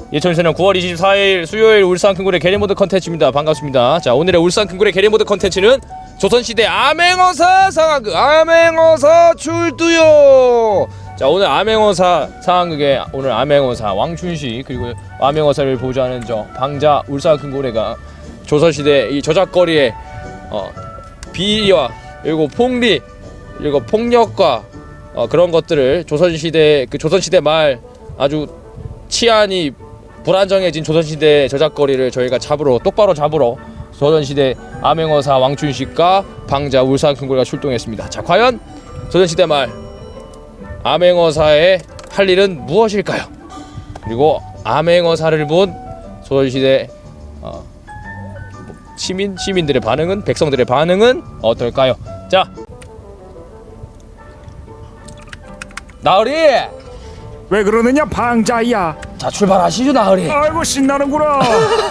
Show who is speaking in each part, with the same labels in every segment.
Speaker 1: 2024년 9월 24일 수요일 울산 큰고래 게리모드 컨텐츠입니다. 반갑습니다. 자, 오늘의 울산 큰고래 게리모드 컨텐츠는 조선시대 암행어사 상황극 암행어사 출두요. 자, 오늘 암행어사 상황극에 오늘 암행어사 왕춘식 그리고 암행어사를 보좌하는 저 방자 울산 큰고래가 조선시대 이 저작거리에 비리와 그리고 폭리 그리고 폭력과 그런 것들을 조선시대 말 아주 치안이 불안정해진 조선시대 저작거리를 저희가 똑바로 잡으러 조선시대 암행어사 왕춘식과 방자 울산 큰고래가 출동했습니다. 자, 과연 조선시대 말 암행어사의 할 일은 무엇일까요? 그리고 암행어사를 본 조선시대 시민들의 반응은, 백성들의 반응은 어떨까요? 자, 나으리!
Speaker 2: 왜 그러느냐 방자야.
Speaker 1: 자, 출발하시죠 나으리.
Speaker 2: 아이고 신나는구나.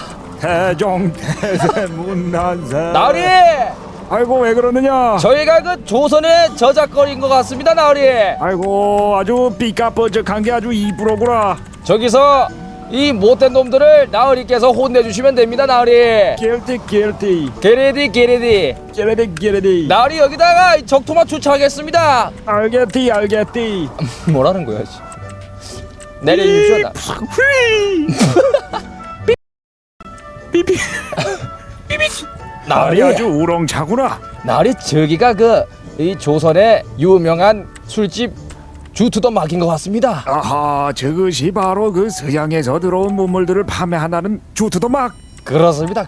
Speaker 2: 대종대세문난세.
Speaker 1: 나으리!
Speaker 2: 아이고 왜 그러느냐.
Speaker 1: 저희가 그 조선의 저작거리인 것 같습니다 나으리.
Speaker 2: 아이고 아주 삐까뻔쩍한 게 아주 이쁘로구나.
Speaker 1: 저기서 이 못된 놈들을 나으리께서 혼내주시면 됩니다 나으리.
Speaker 2: 길티
Speaker 1: 게레디 나으리 여기다가 적토마 추차하겠습니다.
Speaker 2: 알겠디
Speaker 1: 뭐라는 거야 씨. 내려주십시오 나.
Speaker 2: 삐삐
Speaker 1: 나으리
Speaker 2: 아주 우렁차구나.
Speaker 1: 나으리 저기가 이 조선의 유명한 술집 주투더 막인 것 같습니다.
Speaker 2: 아하 저것이 바로 그 서양에서 들어온 문물들을 판매한다는 주투더막.
Speaker 1: 그렇습니다.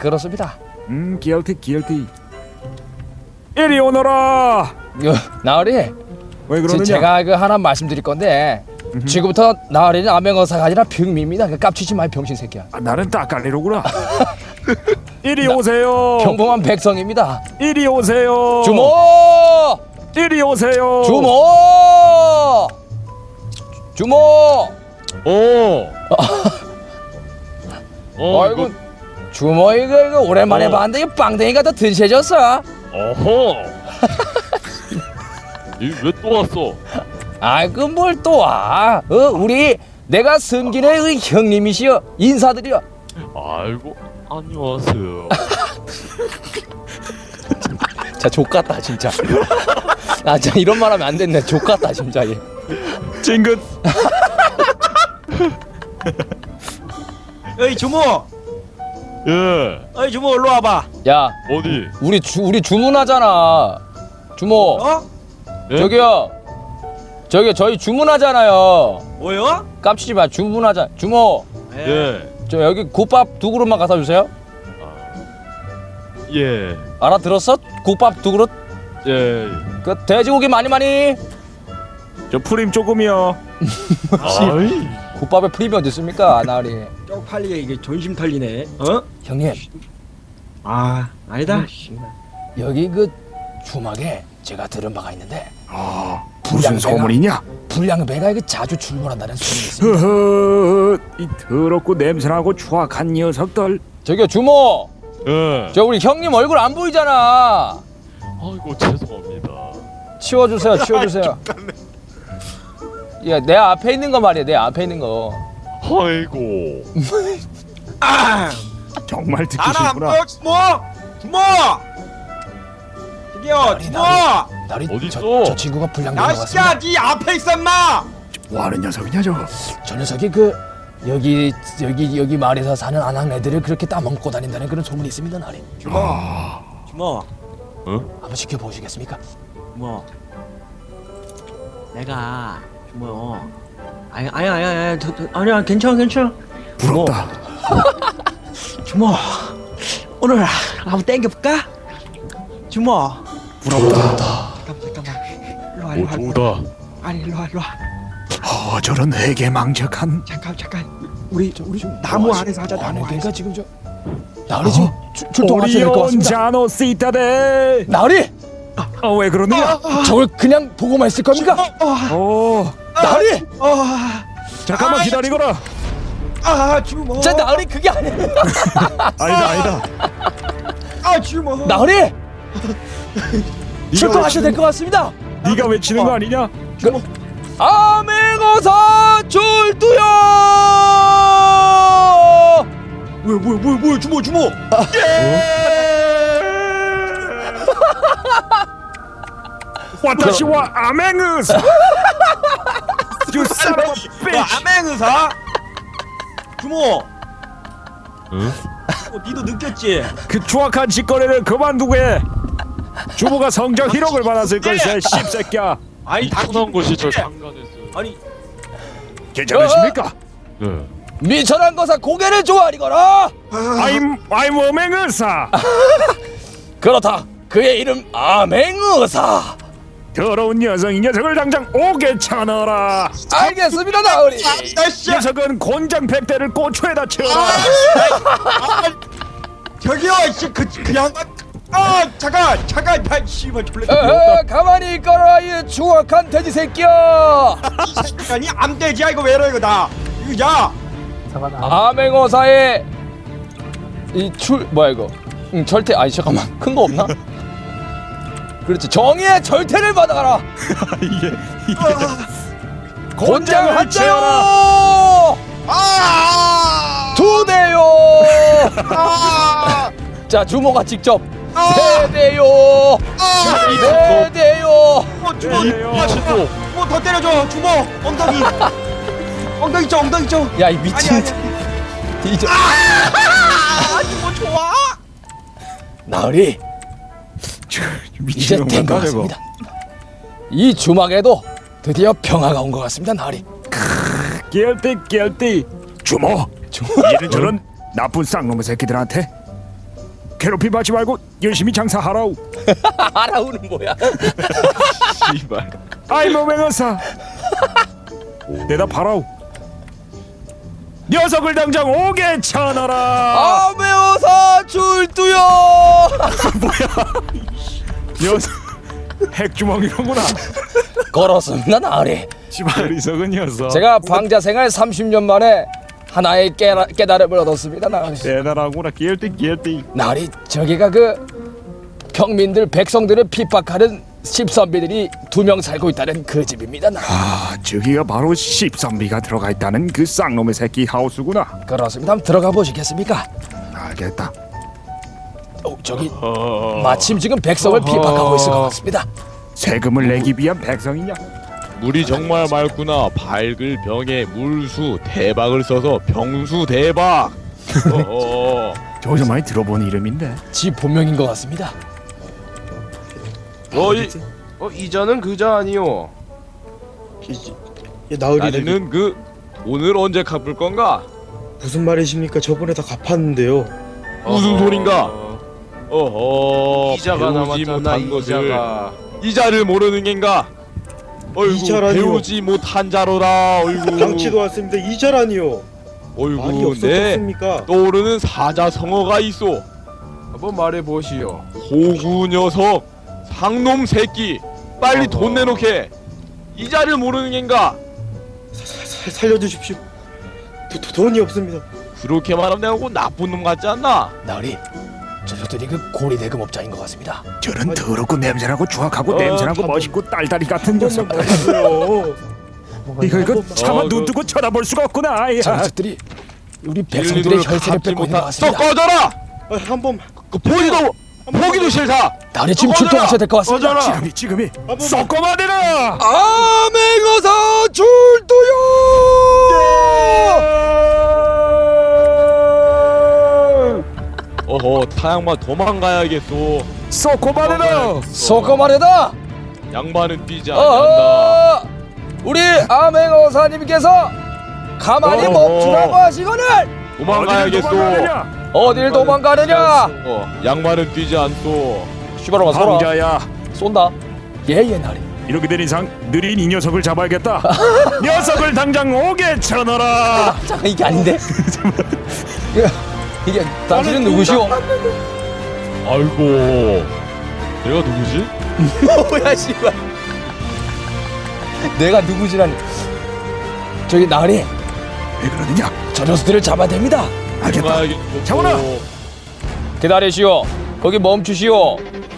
Speaker 2: 길티 이리 오너라.
Speaker 1: 나으리
Speaker 2: 왜 그러느냐.
Speaker 1: 제가 하나 말씀드릴 건데 지금부터 나으리는 암행어사가 아니라 병미입니다. 깝치지 마 병신 새끼야.
Speaker 2: 나는 따까리로구나. 이리 오세요.
Speaker 1: 평범한 백성입니다.
Speaker 2: 이리 오세요.
Speaker 1: 주모!
Speaker 2: 이리 오세요.
Speaker 1: 주모! 아이고 주모 이거 오랜만에 봤는데 이 빵댕이가 더 든세졌어.
Speaker 3: 어허. 왜 또 왔어?
Speaker 1: 아이고 뭘 또 와? 우리 내가 섬기는 그 형님이시여 인사드려.
Speaker 3: 아이고 안녕하세요.
Speaker 1: 자 족같다 진짜. 아 진짜 이런 말 하면 안 됐네. 족같다 진짜 얘.
Speaker 2: 찡긋.
Speaker 4: 어이 주모,
Speaker 3: 예.
Speaker 4: 어이 주모 일로 와봐.
Speaker 1: 야
Speaker 3: 어디?
Speaker 1: 우리 주문하잖아. 주모.
Speaker 4: 어?
Speaker 3: 예?
Speaker 1: 저기요. 저희 주문하잖아요.
Speaker 4: 뭐요?
Speaker 1: 깝치지 마. 주문하자. 주모.
Speaker 3: 예.
Speaker 1: 저 여기 국밥 2그릇만 갖다 주세요.
Speaker 3: 예.
Speaker 1: 알아들었어? 국밥 2그릇.
Speaker 3: 예.
Speaker 1: 그 돼지고기 많이.
Speaker 2: 저 프림 조금이요.
Speaker 3: 아이.
Speaker 1: 국밥에 프리미 어디 있습니까, 나으리?
Speaker 4: 쪽팔리게 이게 존심 털리네. 어?
Speaker 1: 형님.
Speaker 4: 아니다.
Speaker 1: 여기 그 주막에 제가 들은 바가 있는데
Speaker 2: 무슨 소문이냐?
Speaker 1: 불량배가 이게 자주 출몰한다는 소문이 있습니다.
Speaker 2: 허허, 이 더럽고 냄새나고 추악한 녀석들.
Speaker 1: 저기요 주모.
Speaker 3: 예.
Speaker 1: 저 우리 형님 얼굴 안 보이잖아.
Speaker 3: 아이고 죄송합니다.
Speaker 1: 치워주세요. 야, 내 앞에 있는 거 말이야. 내 앞에 있는 거.
Speaker 3: 아이고.
Speaker 2: 정말 듣기
Speaker 4: 나라
Speaker 2: 싫구나.
Speaker 4: 주모. 저기요 주모.
Speaker 1: 나리
Speaker 3: 어딨어?
Speaker 1: 저 친구가 불량배인 것
Speaker 4: 야씨야,
Speaker 1: 같습니다.
Speaker 4: 네 앞에 있어 임마.
Speaker 2: 뭐하는 녀석이냐 저.
Speaker 1: 저 녀석이 여기 마을에서 사는 아낙 애들을 그렇게 따먹고 다닌다는 그런 소문이 있습니다, 나리.
Speaker 4: 주모.
Speaker 1: 한번 지켜보시겠습니까?
Speaker 4: 주모. 내가 주모. 아니야 괜찮아.
Speaker 2: 부럽다.
Speaker 4: 주모. 오늘 한번 땡겨볼까? 주모.
Speaker 2: 부럽다.
Speaker 4: 잠깐만. 일로 와.
Speaker 3: 오 좋다.
Speaker 4: 아니 일로 와.
Speaker 2: 저런 해괴망측한.
Speaker 4: 잠깐. 우리 나무 안에서 하자. 나무 안에서.
Speaker 1: 그러니까 지금 나리 지금 출동하셔야 될 것 같습니다.
Speaker 2: 자노 시타데.
Speaker 1: 나리
Speaker 2: 왜 그러느냐?
Speaker 1: 저걸 그냥 보고만 있을 겁니까? 나리
Speaker 2: 잠깐만 기다리거라.
Speaker 4: 주모.
Speaker 1: 자 나리 그게 아니야.
Speaker 2: 아니다.
Speaker 4: 주모.
Speaker 1: 나리 출동하셔야 될 것 같습니다.
Speaker 2: 네가 외치는 거 아니냐?
Speaker 1: 암행어사 출두요.
Speaker 4: 뭐야 주모
Speaker 2: 와타시와 아맹의사. You son of a bitch.
Speaker 4: 암행의사 주모
Speaker 3: 응?
Speaker 4: 니도 느꼈지?
Speaker 2: 그 추악한 짓거리를 그만두고 해. 주모가 성적 희롱을 받았을 걸세 씹새끼야.
Speaker 4: 아니
Speaker 3: 이상한 곳이 저
Speaker 4: 당신
Speaker 3: 상관했어요.
Speaker 4: 아니
Speaker 2: 괜찮으십니까?
Speaker 3: 네.
Speaker 1: 미천한 거사 고개를 조아리거라.
Speaker 2: I'm 어맹의사.
Speaker 1: 그렇다. 그의 이름 아맹의사.
Speaker 2: 더러운 녀석, 이 녀석을 당장 옥에 쳐넣어라.
Speaker 1: 알겠습니다, 나으리.
Speaker 4: 날씨
Speaker 2: 녀석은 곤장 100대를 고추에다 채워라.
Speaker 4: 저기요 그 양반 잠깐 야 씨발 졸래
Speaker 1: 가만히 있거라, 이 추악한 돼지 새끼야.
Speaker 4: 이 새끼니 암돼지야 이거 왜 이러 이거 나 이거 야
Speaker 1: 아맹어사의 이 뭐야 이거? 절대 아니 잠깐만 큰 거 없나? 그렇지, 정의의 절퇴를 받아가라.
Speaker 2: 이게
Speaker 1: 곤장을 한
Speaker 2: 채워라.
Speaker 4: 아!
Speaker 1: 두 대요.
Speaker 4: 아!
Speaker 1: 자, 주모가 직접
Speaker 4: 아!
Speaker 1: 세 대요. 네 대요.
Speaker 4: 주모 더 때려줘 주모 엉덩이 쪽
Speaker 1: 야, 이 미친.
Speaker 4: 아니,
Speaker 1: 이제
Speaker 4: 주모 좋아
Speaker 1: 나으리 이제 된 것 같습니다. 이 주막에도 드디어 평화가 온 것 같습니다, 나으리.
Speaker 2: guilty. 주모. 이런저런 나쁜 쌍놈의 새끼들한테 괴롭히 받지 말고 열심히 장사하라우.
Speaker 1: 하라우는 뭐야?
Speaker 3: 씨발.
Speaker 2: I'm 어맹의사. 대답하라우. 녀석을 당장 옥에 쳐넣어라.
Speaker 1: 아메어사 출두요.
Speaker 2: 녀석 핵주먹이로구나.
Speaker 1: 걸었습니다, 나으리.
Speaker 2: 지발 이석은 녀석.
Speaker 1: 제가 방자 생활 30년 만에 하나의 깨달음을 얻었습니다, 나으리.
Speaker 2: 대단하구나. guilty.
Speaker 1: 나으리, 저기가 그 평민들 백성들을 핍박하는 십선비들이 2명 살고 있다는 그 집입니다, 나으리.
Speaker 2: 아, 저기가 바로 십선비가 들어가 있다는 그 쌍놈의 새끼 하우스구나.
Speaker 1: 그렇습니다. 한번 들어가 보시겠습니까?
Speaker 2: 알겠다.
Speaker 1: 저기 마침 지금 백성을 핍박하고 있을 것 같습니다.
Speaker 2: 세금을 내기 위한 백성이냐?
Speaker 3: 물이 정말 맑구나. 밝을 병에 물수 대박을 써서 병수 대박.
Speaker 2: 저기서 많이 들어본 이름인데.
Speaker 1: 지 본명인 것 같습니다.
Speaker 5: 이자는 그자 아니요. 나으리
Speaker 3: 나는 그 오늘 언제 갚을 건가?
Speaker 5: 무슨 말이십니까? 저번에 다 갚았는데요.
Speaker 3: 무슨 소린가?
Speaker 5: 이자가
Speaker 3: 배우지
Speaker 5: 남았잖아.
Speaker 3: 못한 것을
Speaker 5: 이자가.
Speaker 3: 이자를 모르는 겐가? 어이구,
Speaker 5: 이자라니요.
Speaker 3: 배우지 못한 자로라. 어이구.
Speaker 5: 당치도 왔습니다. 이자라니요. 말이
Speaker 3: 어이구, 내
Speaker 5: 없었습니까?
Speaker 3: 떠오르는 사자성어가 있어.
Speaker 5: 한번 말해 보시오.
Speaker 3: 호구 녀석, 상놈 새끼, 빨리 돈 내놓게. 이자를 모르는 겐가?
Speaker 5: 살려주십시오. 돈이 없습니다.
Speaker 3: 그렇게 말하면 내가 꼭 나쁜 놈 같지 않나?
Speaker 1: 나으리, 저들이 그 고리대금업자인 것 같습니다.
Speaker 2: 저런 더럽고 냄새나고 추악하고 냄새나고 멋있고 딸다리 같은 녀석. 이거 차마 눈 뜨고 쳐다볼 수가 없구나. 아이야.
Speaker 1: 저 녀석들이 우리 백성들의 혈세를 뺏고 있는 것
Speaker 3: 또
Speaker 1: 같습니다.
Speaker 3: 꺼져라!
Speaker 5: 한번
Speaker 3: 그 보기도 싫다.
Speaker 1: 나으리 지금 출동하셔야 될 것 같습니다.
Speaker 2: 지금이 썩고만 대라.
Speaker 1: 아맹어사 출두요.
Speaker 3: 어허, 타양마 도망가야겠소.
Speaker 2: 썩고만 대라.
Speaker 1: 쏘고 말해다.
Speaker 3: 양반은 뛰지 않는다.
Speaker 1: 우리 아맹어사님께서 가만히
Speaker 3: 어허.
Speaker 1: 멈추라고 하시거늘
Speaker 3: 도망가야겠소.
Speaker 1: 어딜 도망가느냐?
Speaker 3: 양반은 뛰지 않소.
Speaker 1: 씨발로마 쏘라.
Speaker 2: 황자야.
Speaker 1: 쏜다. 예예, 나으리.
Speaker 2: 이렇게 된 이상 느린 이 녀석을 잡아야겠다. 녀석을 당장 옥에 쳐넣어라.
Speaker 1: 잠깐, 이게 아닌데? 이게 당신은 누구시오?
Speaker 3: 아이고, 내가 누구지?
Speaker 1: 뭐야, 씨발. 내가 누구지라니. 저기 나으리,
Speaker 2: 왜 그러느냐?
Speaker 1: 저 녀석들을 잡아야 됩니다.
Speaker 2: 알겠다.
Speaker 3: 도망가야겠소.
Speaker 2: 잡아라.
Speaker 1: 기다리시오. 거기 멈추시오.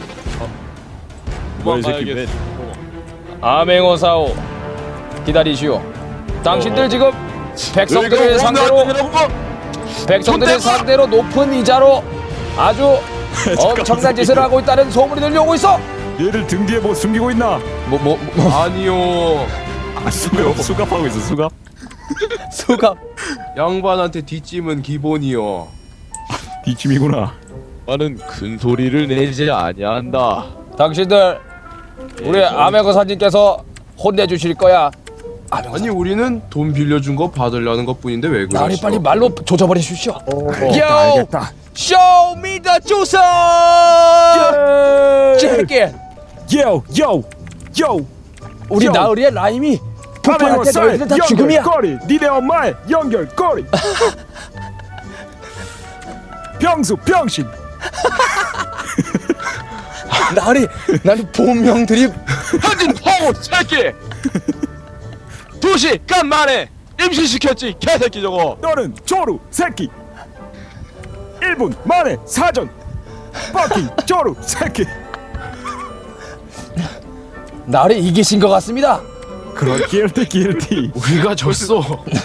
Speaker 3: 도망가야겠소.
Speaker 1: 아맹어사오, 기다리시오. 당신들 지금 백성들을 상대로 백성들을 상대로 높은 이자로 아주 엄청난 짓을 하고 있다는 소문이 들려오고 있어.
Speaker 2: 얘를 등 뒤에 뭐 숨기고 있나?
Speaker 3: 아니요.
Speaker 2: 수갑하고 있어 수갑.
Speaker 1: 수갑.
Speaker 5: 양반한테 뒷짐은 기본이요.
Speaker 2: 뒷짐이구나.
Speaker 3: 나는 큰 소리를 내지 아니한다.
Speaker 1: 당신들 우리 아메거사님께서 혼내주실 거야.
Speaker 5: 아니 우리는 돈 빌려준 거 받으려는 것뿐인데 왜 그러시오?
Speaker 1: 나리 빨리 말로 조져버려 주십시오.
Speaker 2: 알겠다, 알겠다.
Speaker 1: Show me the 조선. 제게
Speaker 2: 요 요 요.
Speaker 1: 우리
Speaker 2: 요.
Speaker 1: 나으리의 라임이 폭발할 때 너희들은 다 죽음이야.
Speaker 2: 연결고리 니네 엄마의 연결고리. 병수 병신.
Speaker 1: 나으리 나는 본명들이
Speaker 3: 현진 허우 새끼. 2시간 만에 임신시켰지 개새끼 저거.
Speaker 2: 너는 조루 새끼. 1분 만에 사전. 퍼킹 조루 새끼.
Speaker 1: 나를 이기신 것 같습니다.
Speaker 2: 그런 길티.
Speaker 5: 우리가 졌어.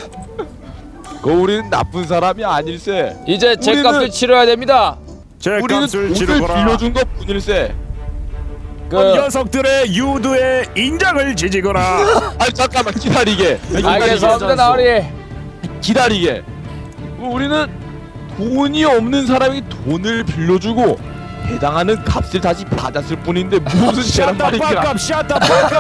Speaker 3: 우리는 나쁜 사람이 아닐세.
Speaker 1: 이제 제 값을 치러야 됩니다.
Speaker 2: 제
Speaker 3: 우리는
Speaker 2: 값을
Speaker 3: 돈을
Speaker 2: 치르거라.
Speaker 3: 빌려준 것 뿐일세.
Speaker 1: 그
Speaker 2: 녀석들의 유두에 인장을 지지거라.
Speaker 3: 아니 잠깐만 기다리게.
Speaker 1: 알겠습니다 나으리.
Speaker 3: 기다리게. 우리는 돈이 없는 사람이 돈을 빌려주고 해당하는 값을 다시 받았을 뿐인데 무슨 죄란 말이야.
Speaker 2: 샷다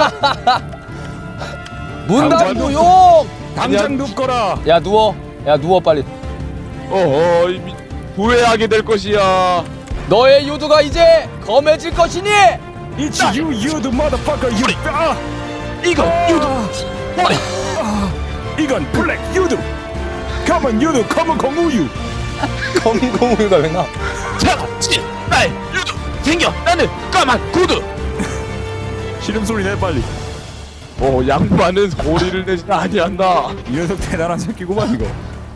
Speaker 1: 문단
Speaker 3: 당장
Speaker 1: 무용.
Speaker 2: 당장 눕거라.
Speaker 1: 야 누워. 야 누워 빨리.
Speaker 3: 이미 후회하게 될 것이야.
Speaker 1: 너의 유두가 이제 검해질 것이니.
Speaker 2: It's you the motherfucker you.
Speaker 3: 이건 유도.
Speaker 2: 이건 블랙 유두. 검은 유두 검은 공우유.
Speaker 1: 검공우유가 왜 나?
Speaker 3: 자, 나의 유도 생겨. 나는 까만 구두.
Speaker 2: 시름 소리 내 빨리.
Speaker 3: 양반은 소리를 내지 아니한다.
Speaker 2: 이 녀석 대단한 새끼구만 이거.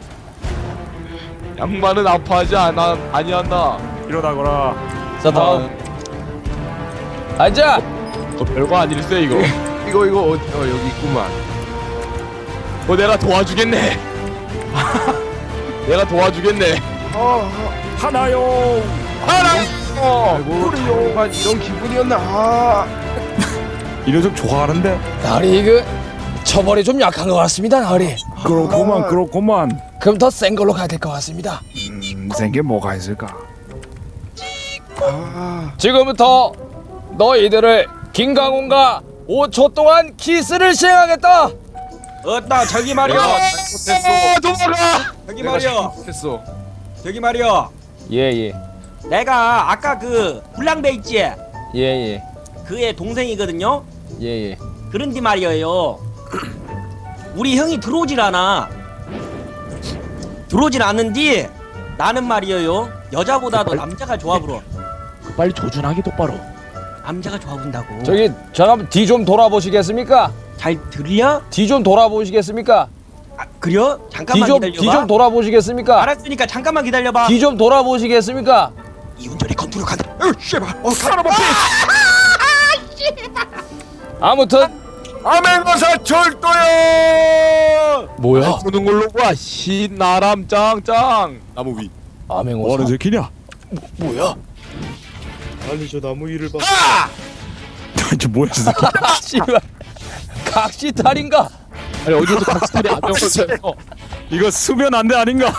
Speaker 3: 양반은 아파하지 아니한다.
Speaker 2: 일어나거라.
Speaker 1: 자 다음. 앉아.
Speaker 3: 별거 아닐세 이거.
Speaker 5: 이거 여기 있구만.
Speaker 3: 내가 도와주겠네. 내가 도와주겠네.
Speaker 2: 하나요.
Speaker 5: 아이고 양반 이런 기분이었나?
Speaker 2: 이 녀석 좋아하는데.
Speaker 1: 나리 그 처벌이 좀 약한 것 같습니다 나리.
Speaker 2: 그렇구만.
Speaker 1: 그럼 더 센 걸로 가야 될 것 같습니다.
Speaker 2: 생게 뭐가 있을까?
Speaker 1: 지금부터 너희들을 김강훈과 5초 동안 키스를 시행하겠다.
Speaker 4: 어따 저기 말이야.
Speaker 3: 도망가.
Speaker 4: 저기 말이야.
Speaker 5: 했어.
Speaker 4: 저기 말이야.
Speaker 1: 예예
Speaker 4: 내가 아까 그 불량배 있지?
Speaker 1: 예예
Speaker 4: 그의 동생이거든요.
Speaker 1: 예예.
Speaker 4: 그런데 말이에요. 우리 형이 들어오질 않아. 들어오질 않는디 나는 말이에요. 여자보다도 남자가 좋아 불어.
Speaker 3: 빨리 조준하기 똑바로.
Speaker 4: 남자가 좋아 본다고.
Speaker 1: 저기 잠깐만 뒤 좀 돌아보시겠습니까?
Speaker 4: 잘 들려?
Speaker 1: 뒤 좀 돌아보시겠습니까?
Speaker 4: 아, 그래요? 잠깐만
Speaker 1: 뒤
Speaker 4: 기다려봐.
Speaker 1: 좀 돌아보시겠습니까?
Speaker 4: 알았으니까 잠깐만 기다려봐.
Speaker 1: 뒤 좀 돌아보시겠습니까?
Speaker 4: 이운전이 컨트롤 간다. 씨발.
Speaker 2: 사람아
Speaker 1: 아무튼
Speaker 4: 아멘거사 철도요.
Speaker 1: 뭐야?
Speaker 3: 보는 걸로 봐. 신나람 짱짱. 나무 위.
Speaker 1: 아맹호사
Speaker 2: 뭐하는 새끼냐?
Speaker 1: 뭐야?
Speaker 5: 아니 저 나무 위를 봐.
Speaker 2: 저 뭐야 저 새끼.
Speaker 1: 씨발 각시탈인가?
Speaker 3: 아니 어디서 각스탈이 아병을
Speaker 2: 이거 수면 안돼 아닌가?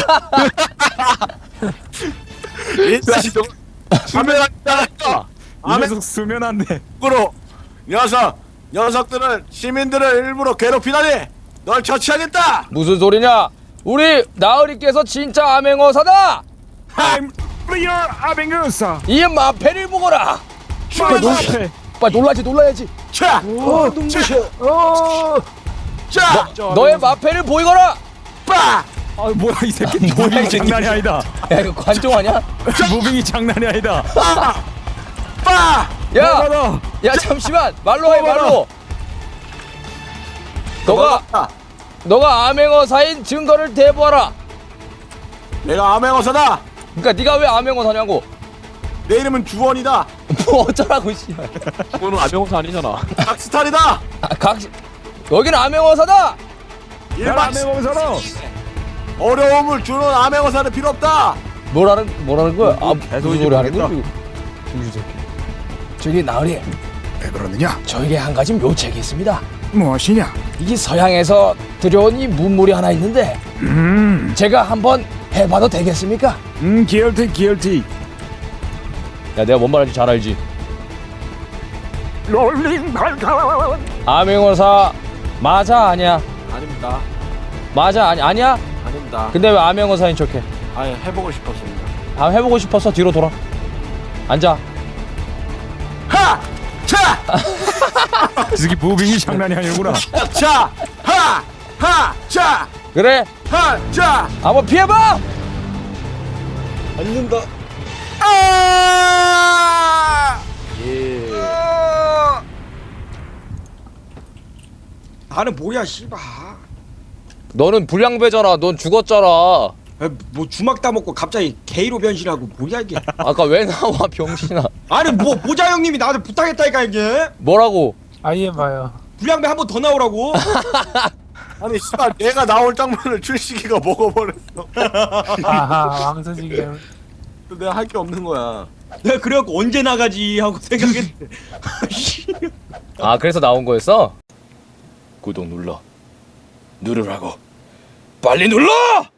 Speaker 3: 수면 안다.
Speaker 2: 이 녀석 수면 안돼.
Speaker 6: 으로 녀석들은 시민들을 일부러 괴롭히다니 널 처치하겠다.
Speaker 1: 무슨 소리냐? 우리 나으리께서 진짜 아맹어사다.
Speaker 2: I'm real 아뱅그사.
Speaker 1: 이 마패를 보거라.
Speaker 2: 마페.
Speaker 1: 빨리 놀라야지.
Speaker 6: 자, 자,
Speaker 1: 너의 마패를 보이거라.
Speaker 6: 빠,
Speaker 2: 아 뭐야 이 새끼. 무빙이 장난이 아니다.
Speaker 1: 야 이거 관종 아니야?
Speaker 2: 무빙이 장난이 아니다.
Speaker 6: 빠.
Speaker 1: 야,
Speaker 2: 뭐하나?
Speaker 1: 야 잠시만 말로 해 말로. 너가 암행어사인 증거를 대보하라.
Speaker 6: 내가 암행어사다.
Speaker 1: 그러니까 네가 왜 암행어사냐고.
Speaker 6: 내 이름은 주원이다.
Speaker 1: 뭐 어쩌라고 씨발.
Speaker 3: 그거는 아병사 아니잖아.
Speaker 6: 각스탈이다.
Speaker 1: 여기는 암행어사다.
Speaker 6: 일반
Speaker 2: 아뱅어사로.
Speaker 6: 어려움을 주는 암행어사는 필요 없다.
Speaker 1: 뭐라는 거야? 아,
Speaker 6: 계속
Speaker 1: 무슨
Speaker 6: 이제
Speaker 1: 소리 하는
Speaker 6: 모르겠다.
Speaker 1: 거야? 중주 새끼. 저기 나으리,
Speaker 2: 왜 그러느냐?
Speaker 1: 저에게 한 가지 묘책이 있습니다.
Speaker 2: 무엇이냐?
Speaker 1: 이게 서양에서 들여온 이 문물이 하나 있는데 제가 한번 해봐도 되겠습니까?
Speaker 2: 기얼티.
Speaker 1: 야, 내가 뭔 말인지 잘 알지?
Speaker 2: 롤링 발칸.
Speaker 1: 암행어사 맞아 아니야?
Speaker 6: 아닙니다.
Speaker 1: 맞아 아니야?
Speaker 6: 아닙니다.
Speaker 1: 근데 왜 암행어사인 척해?
Speaker 6: 아예 해보고 싶었습니다.
Speaker 1: 아, 해보고 싶어서 뒤로 돌아. 앉아.
Speaker 6: 하! 차!
Speaker 2: 이 새끼 무빙이 장난이 아니구나.
Speaker 6: 차! 하! 하! 차!
Speaker 1: 그래?
Speaker 6: 하! 차!
Speaker 1: 한번 피해봐.
Speaker 4: 앉는다.
Speaker 6: 아!
Speaker 4: 나는 뭐야 씨발.
Speaker 1: 너는 불량배잖아. 넌 죽었잖아.
Speaker 4: 뭐 주막 따먹고 갑자기 게이로 변신하고 뭐야 이게.
Speaker 1: 아까 왜 나와 병신아?
Speaker 4: 아니 뭐 모자 형님이 나한테 부탁했다니까 이게.
Speaker 1: 뭐라고?
Speaker 7: 아예 봐요.
Speaker 4: 불량배 한 번 더 나오라고.
Speaker 6: 아니 씨발 내가 나올 장면을 출시기가 먹어버렸어.
Speaker 7: 아하 왕서지경.
Speaker 6: 내가 할 게 없는 거야.
Speaker 4: 내가 그래갖고 언제 나가지 하고 생각했는데.
Speaker 1: 아, 그래서 나온 거였어? 구독 눌러. 누르라고. 빨리 눌러!